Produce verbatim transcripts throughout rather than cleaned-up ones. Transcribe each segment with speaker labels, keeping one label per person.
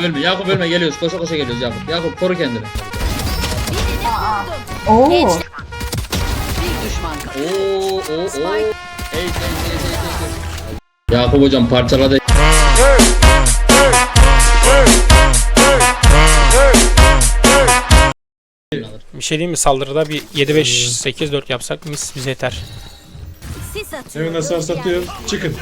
Speaker 1: ölme. Yakup ölme, geliyoruz. Koşa koşa geliyoruz Yakup. Yakup koru kendini.
Speaker 2: Oo.
Speaker 3: Bir düşman kaldı.
Speaker 1: Oo oo oo. Ey ey ey ey ey. Yakup hocam parçaladı.
Speaker 4: Bir şey diyeyim mi, saldırıda bir yedi beş sekiz dört yapsak mis bize yeter.
Speaker 3: Sis atıyor.
Speaker 5: Evine sarsatıyor. Çıkın.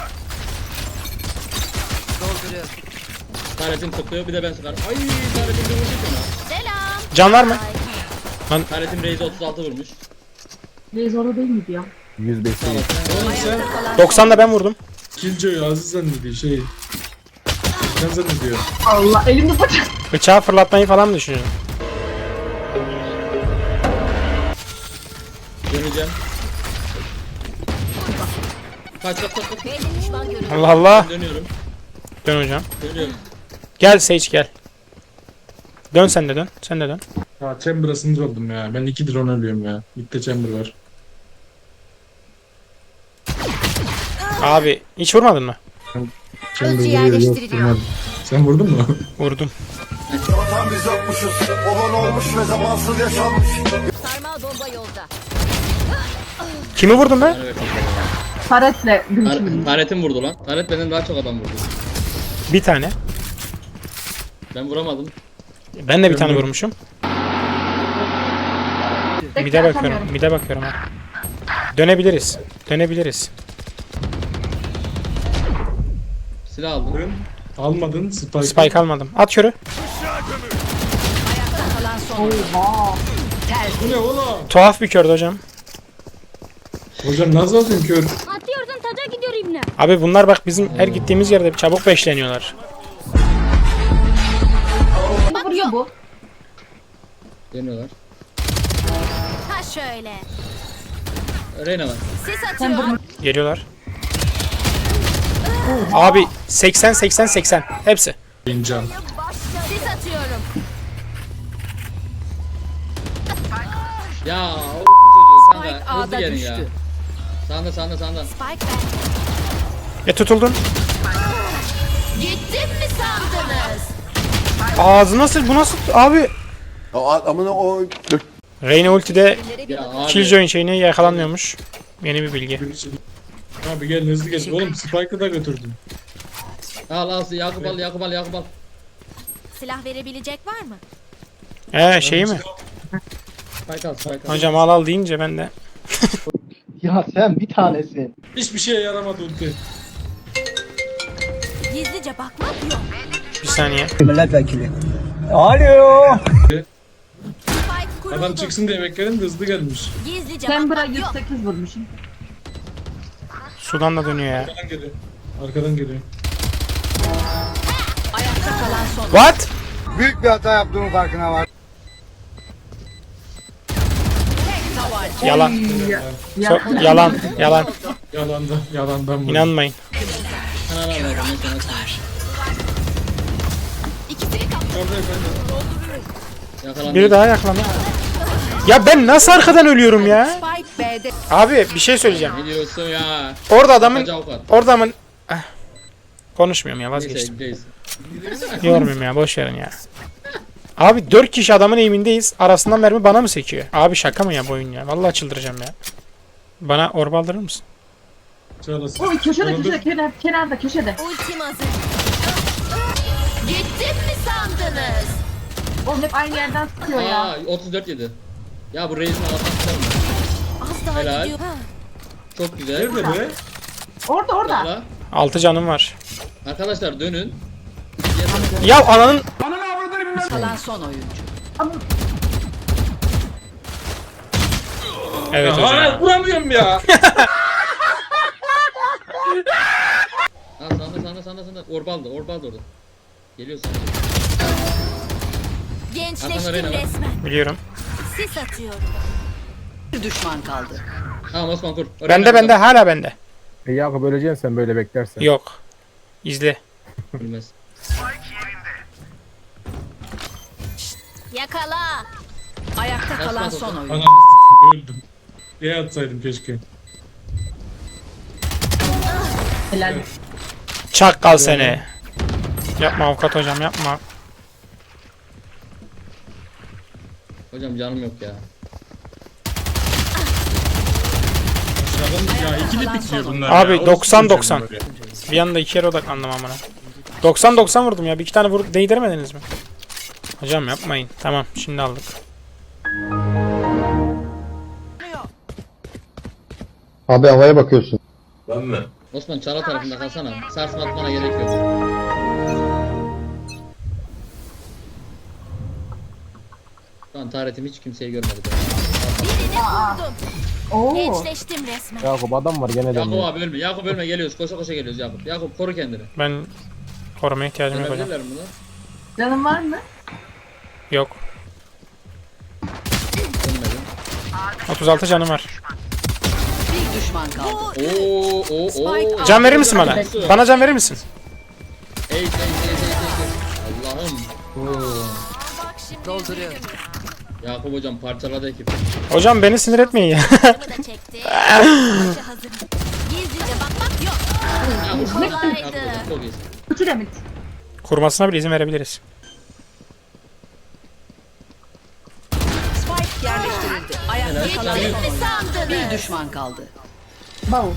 Speaker 3: Dolduruyor.
Speaker 1: Taretim tıklıyor, bir de ben sıkarım. Ay taretim de vurmuş ona.
Speaker 3: Selam.
Speaker 4: Can var mı?
Speaker 1: Taretim Reis'e otuz altı vurmuş.
Speaker 2: Reis orada değil miydi ya?
Speaker 6: yüz beş.
Speaker 5: Oğlum sen
Speaker 4: doksan da ben vurdum.
Speaker 5: Killjoy'u Aziz zannediyor şey. Sen zannediyor.
Speaker 2: Allah elimde bıçak.
Speaker 4: Bıçağı fırlatmayı falan mı düşünüyorsun?
Speaker 1: Döneceğim. Kaç kaç kaç kaç.
Speaker 3: Belli düşman görüldü.
Speaker 4: Allah Allah.
Speaker 1: Dönüyorum.
Speaker 4: Dön hocam.
Speaker 1: Dönüyorum.
Speaker 4: Gel Sage gel. Dön sen de dön. Sen de dön.
Speaker 5: Ya Chamber'a sinir oldum ya. Ben iki drone ölüyorum ya. Mid'de Chamber var.
Speaker 4: Abi hiç vurmadın mı?
Speaker 5: Chamber
Speaker 3: Hızlı
Speaker 5: vuruyor, yok,
Speaker 3: yerleştiriliyor.
Speaker 5: vurmadım. Sen vurdun mu?
Speaker 4: Vurdum.
Speaker 7: Vatan biz yokmuşuz, olan olmuş ve zamansız yaşanmış.
Speaker 3: Sarmal bomba yolda.
Speaker 4: Kimi vurdum ben?
Speaker 1: Evet.
Speaker 2: Taretle
Speaker 1: Tar
Speaker 2: gülüşüm.
Speaker 1: Taretim vurdu lan. Taret benden daha çok adam vurdu.
Speaker 4: Bir tane.
Speaker 1: Ben vuramadım.
Speaker 4: Ben de bir tane vurmuşum. Mide bakıyorum. Mide bakıyorum ha. Dönebiliriz. Dönebiliriz.
Speaker 1: Silah aldım.
Speaker 5: Dön. Almadın Spike.
Speaker 4: Spike almadım. At körü.
Speaker 3: Kalan son.
Speaker 2: Oha.
Speaker 5: Bu ne oğlum?
Speaker 4: Tuhaf bir kördü hocam.
Speaker 5: Hocam nasıl atıyorsun kör?
Speaker 3: Atıyorsun taca gidiyor ibne.
Speaker 4: Abi bunlar bak bizim her gittiğimiz yerde çabuk beşleniyorlar.
Speaker 2: Ne vuruyor bu?
Speaker 1: Dönüyorlar.
Speaker 3: Ha şöyle.
Speaker 1: Reyna var.
Speaker 3: Sis
Speaker 2: Sen
Speaker 3: atıyor.
Speaker 2: bunu
Speaker 4: Geliyorlar. Abi seksen seksen seksen hepsi.
Speaker 5: İncan.
Speaker 3: Sis atıyorum.
Speaker 1: Ya o çocuğu kanka
Speaker 3: Spike
Speaker 1: hızlı
Speaker 3: A'da
Speaker 1: gelin ya.
Speaker 3: düştü.
Speaker 1: Sağında sağında sağında.
Speaker 3: Spike bende.
Speaker 4: E tutuldun.
Speaker 3: Gittim mi sandınız?
Speaker 4: Ağzı nasıl bu nasıl abi?
Speaker 7: Amına o
Speaker 4: Reyna ultide
Speaker 1: Ya abi.
Speaker 4: Killjoy'un şeyine yakalanmıyormuş. Yeni bir bilgi.
Speaker 5: Abi gel hızlı gel. Oğlum Spike'ı da götürdüm.
Speaker 1: Al al Yakup al Yakup al Yakup al.
Speaker 3: Silah verebilecek var mı?
Speaker 4: He şeyi mi?
Speaker 1: Spike al Spike al.
Speaker 4: Hocam al al deyince ben de.
Speaker 6: Ya sen bir tanesin.
Speaker 5: Hiçbir şeye yaramadı ulti.
Speaker 3: Gizlice bakmak yok.
Speaker 4: Bir saniye.
Speaker 6: Milletvekili. Alo.
Speaker 3: Spike
Speaker 5: Adam
Speaker 3: kuruldu.
Speaker 5: çıksın diye bekledim de hızlı gelmiş.
Speaker 3: Gizlice
Speaker 2: Chamber'a
Speaker 3: bakmak
Speaker 2: yüz
Speaker 3: yok.
Speaker 2: sekiz vurmuşum.
Speaker 4: Sudan da dönüyor ya.
Speaker 5: Arkadan geliyor. Arkadan geliyor.
Speaker 3: Ayakta kalan son.
Speaker 4: What?
Speaker 7: büyük bir hata yaptığımın farkına var.
Speaker 4: Yalan.
Speaker 2: Ya.
Speaker 4: So- yalan. Yalan.
Speaker 5: Yalanda, yalandan vurdu.
Speaker 4: İnanmayın.
Speaker 1: Sana ver ver. Ben sana
Speaker 3: İkisini kaptı.
Speaker 5: Orada efendim.
Speaker 1: yakalandım.
Speaker 4: Biri daha yaklandı. Ya ben nasıl arkadan ölüyorum ya?
Speaker 3: Spike B'de.
Speaker 4: Abi bir şey söyleyeceğim.
Speaker 1: Ne diyorsun ya?
Speaker 4: Orada adamın
Speaker 1: Kaç avukat?
Speaker 4: orada adamın Eh, konuşmuyorum ya, vazgeçtim.
Speaker 1: Neyse, neyse.
Speaker 4: Yormayayım ya, boş verin ya. Abi dört kişi adamın eğimindeyiz. Arasından mermi bana mı sekiyor? Abi şaka mı ya bu oyun ya? Vallahi çıldıracağım ya. Bana orba aldırır mısın?
Speaker 5: Çağlasın.
Speaker 2: O köşede
Speaker 5: Bana dur.
Speaker 2: köşede kenar, kenarda köşede.
Speaker 3: Ultim hazır. Gittim mi sandınız?
Speaker 2: Oğlum hep aynı yerden sıkıyor ya.
Speaker 1: Aa otuz dört yedi. Ya bu Reis'in altından mı?
Speaker 3: Az daha
Speaker 1: Helal.
Speaker 3: gidiyor. Ha.
Speaker 1: Çok güzel.
Speaker 5: Nerede be?
Speaker 2: Orada orada.
Speaker 1: Valla.
Speaker 4: Altı canım var.
Speaker 1: Arkadaşlar dönün.
Speaker 4: Ya ananın
Speaker 3: Kalan son oyuncu.
Speaker 2: Ama
Speaker 4: evet hocam.
Speaker 5: Aa, vuramıyorum ya.
Speaker 1: Ha sağında sağında sağında sağında. Orbaldı orbaldı orada. Geliyorsun. Arkanda
Speaker 3: Gençleştim
Speaker 1: Reyna var.
Speaker 3: resmen.
Speaker 4: Biliyorum.
Speaker 3: Sis atıyorum. Bir düşman kaldı.
Speaker 1: Tamam Osman kur.
Speaker 4: Bende bende hala bende.
Speaker 6: E Yakup öleceksin sen böyle beklersen.
Speaker 4: Yok. İzle.
Speaker 1: Bilmez.
Speaker 3: Yakala. Ayakta
Speaker 1: Kaç
Speaker 3: kalan
Speaker 1: tane
Speaker 3: son
Speaker 1: oldu?
Speaker 3: oyuncu.
Speaker 5: Anam s**tim, öldüm. Diye atsaydım keşke.
Speaker 2: helal.
Speaker 4: Çakkal seni. Yapma avukat hocam, yapma.
Speaker 1: Hocam canım yok ya.
Speaker 5: Ya ikili bitiyor bunlar
Speaker 4: Abi
Speaker 5: ya.
Speaker 4: doksan
Speaker 5: Orası
Speaker 4: doksan.
Speaker 5: böyle.
Speaker 4: Bir anda iki yere odaklandım amına. doksan doksan vurdum ya. Bir iki tane vurup değdiremediniz mi? Hocam yapmayın. Tamam şimdi aldık.
Speaker 6: Abi havaya bakıyorsun.
Speaker 5: Ben mi?
Speaker 1: Osman çala tarafında kalsana. Sarsma atmana gerek yok. Şu an taharetim hiç kimseyi görmedi.
Speaker 2: Oo.
Speaker 8: Gençleştim resmen.
Speaker 6: Yakup adam var gene
Speaker 1: Yakup
Speaker 6: dönüyor.
Speaker 1: abi ölme. Yakup ölme geliyoruz. Koşa koşa geliyoruz Yakup. Yakup koru kendini.
Speaker 4: Ben korumaya ihtiyacım yok hocam.
Speaker 1: Görebilirler mi bunu?
Speaker 2: Canın var mı?
Speaker 4: Yok.
Speaker 1: Ölmedim.
Speaker 4: otuz altı canım var.
Speaker 3: Bir düşman kaldı.
Speaker 1: Oo oo oo.
Speaker 4: Can verir misin bana? Bana can verir misin?
Speaker 1: Ey ey ey ey ey. Allah'ım.
Speaker 8: Bak şimdi
Speaker 3: Dolduruyorum.
Speaker 1: Yakup hocam parçaladı ekip.
Speaker 4: Hocam beni sinir etmeyin ya.
Speaker 8: Yanımı da çekti. Maça hazırım. Gizlice bakmak yok.
Speaker 1: Yakup
Speaker 8: Kolaydı.
Speaker 1: Yakup hocam çok iyisin.
Speaker 2: Üçü de mit.
Speaker 4: Kurmasına bile izin verebiliriz.
Speaker 3: Spike yerleştirildi. Ayakta kalan
Speaker 1: Helal.
Speaker 3: son
Speaker 8: Ne
Speaker 3: oyuncu.
Speaker 8: sandınız?
Speaker 3: Bir düşman kaldı.
Speaker 2: Bavul.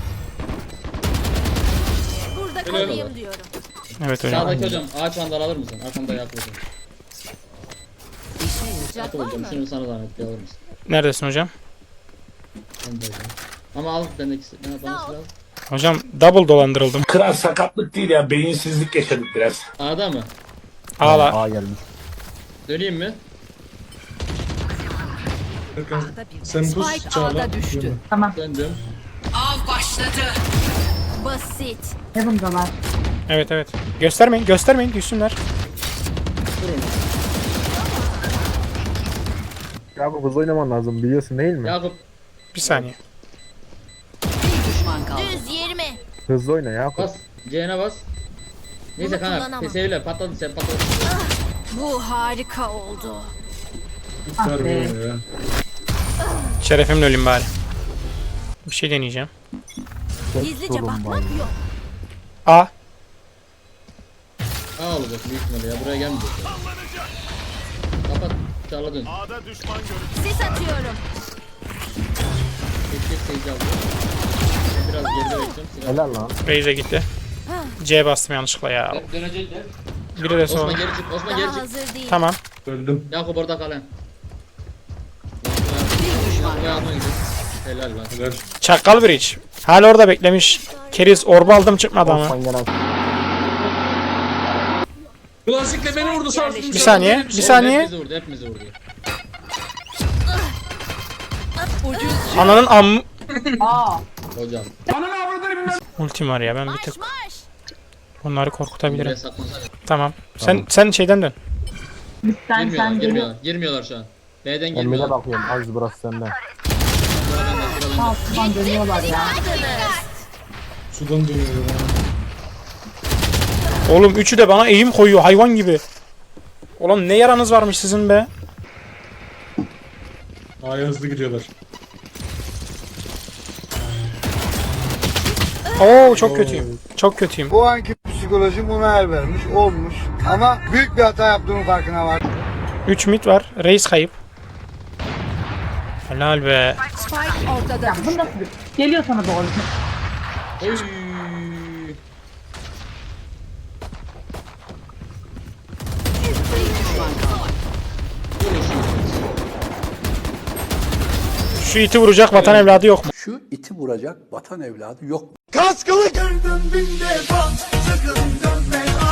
Speaker 8: Burada
Speaker 1: Helal
Speaker 8: kalayım
Speaker 1: olsun.
Speaker 8: diyorum.
Speaker 4: Evet hocam.
Speaker 1: Sağdaki hocam ağaç vandal alır mısın? Arkamda Yakup hocam.
Speaker 8: Sıcak
Speaker 1: Yakup
Speaker 8: var
Speaker 1: hocam
Speaker 8: mı?
Speaker 1: şunu sana zahmet bir alır mısın?
Speaker 4: Neredesin hocam?
Speaker 1: Ben de hocam. Ama al bendeki ne bana
Speaker 8: Sağ ol.
Speaker 1: silah.
Speaker 4: Hocam double dolandırıldım.
Speaker 9: Kral sakatlık değil ya, beyinsizlik yaşadık biraz.
Speaker 1: A'da mı?
Speaker 4: Ağla.
Speaker 6: Aa gelmiş.
Speaker 1: Döneyim mi?
Speaker 5: Serkan, sen bu
Speaker 3: Spike
Speaker 5: çağla.
Speaker 3: A'da düştü.
Speaker 2: Tamam.
Speaker 1: Döndüm.
Speaker 3: Av başladı.
Speaker 8: Basit.
Speaker 2: Heaven'dalar.
Speaker 4: Evet evet. Göstermeyin göstermeyin düşsünler.
Speaker 1: Durun.
Speaker 6: Yakup hızlı oynaman lazım biliyorsun değil mi?
Speaker 1: Yakup
Speaker 4: Bir saniye.
Speaker 3: Bir düşman kaldı.
Speaker 8: Düz yirmi.
Speaker 6: Hızlı oyna Yakup.
Speaker 1: bas. C'ne bas. Neyse
Speaker 8: Bunu
Speaker 1: kanka.
Speaker 8: kullanamam.
Speaker 1: P S patladı sen patladı.
Speaker 8: Bu harika oldu.
Speaker 2: Ah
Speaker 5: Ver
Speaker 2: be.
Speaker 5: bunu ya.
Speaker 4: Şerefimle öleyim bari. Bir şey deneyeceğim.
Speaker 8: Gizlice
Speaker 6: sorun
Speaker 8: bakmak
Speaker 6: var.
Speaker 8: yok.
Speaker 4: A.
Speaker 1: A olacak büyük ihtimalle ya buraya gelmeyecek. Kapat. Çağla dön.
Speaker 8: Sis atıyorum.
Speaker 1: Geç geç seyirci aldı. Ben biraz geride bekleyeceğim. Silah.
Speaker 6: Helal lan.
Speaker 4: Raze'e gitti. C bastım yanlışlıkla ya.
Speaker 1: Dön- Dönecekler.
Speaker 4: Biri de
Speaker 1: Osman
Speaker 4: sonra.
Speaker 1: geri çık. Osman geri
Speaker 8: Daha
Speaker 1: çık.
Speaker 8: hazır değil.
Speaker 4: Tamam.
Speaker 5: Öldüm.
Speaker 1: Yakup orada kal lan.
Speaker 3: Bir düşman
Speaker 1: Yakup
Speaker 3: kaldı.
Speaker 1: yardıma gidiyor. Helal lan.
Speaker 5: Helal.
Speaker 4: Çakal Bridge. Hala orada beklemiş. Keriz orba aldım çıkmadı ama.
Speaker 6: Osman gelen.
Speaker 5: Klasikle beni vurdu sarsın.
Speaker 4: Bir saniye. Bir saniye.
Speaker 1: Hepimizi vurdu. Hepimizi vurdu.
Speaker 3: Ucuz.
Speaker 4: Ananın am...
Speaker 2: Aa.
Speaker 1: Hocam.
Speaker 4: Ultim var ya ben bir tık.
Speaker 8: Marş marş.
Speaker 4: Bunları
Speaker 1: Buraya
Speaker 4: korkutabilirim.
Speaker 1: saklansak.
Speaker 4: Tamam. Sen sen şeyden dön.
Speaker 2: Mitten
Speaker 1: Girmiyorlar.
Speaker 2: sen geliyor.
Speaker 1: Girmiyorlar. Girmiyorlar şu an. B'den
Speaker 6: Ben bile
Speaker 1: girmiyorlar.
Speaker 6: bakıyorum. Az burası sende.
Speaker 2: Altından dönüyorlar ya.
Speaker 5: Sudan dönüyor ya.
Speaker 4: Oğlum üçü de bana eğim koyuyor hayvan gibi. Oğlum ne yaranız varmış sizin be.
Speaker 5: A'ya hızlı gidiyorlar.
Speaker 4: Oo çok kötüyüm. Çok kötüyüm.
Speaker 7: Bu anki psikolojim buna el vermiş, olmuş. Ama büyük bir hata yaptığımın farkına var.
Speaker 4: üç mid var. Reis kayıp. Helal be.
Speaker 3: Spike ortada.
Speaker 2: Ya bu nasıl bir... Geliyor sana doğru.
Speaker 1: Oy.
Speaker 3: Bir düşman kaldı.
Speaker 4: Şu iti vuracak vatan evladı yok mu?
Speaker 9: Şu iti vuracak vatan evladı yok.
Speaker 7: Kaskılı gördüm bin defa, sakın dönme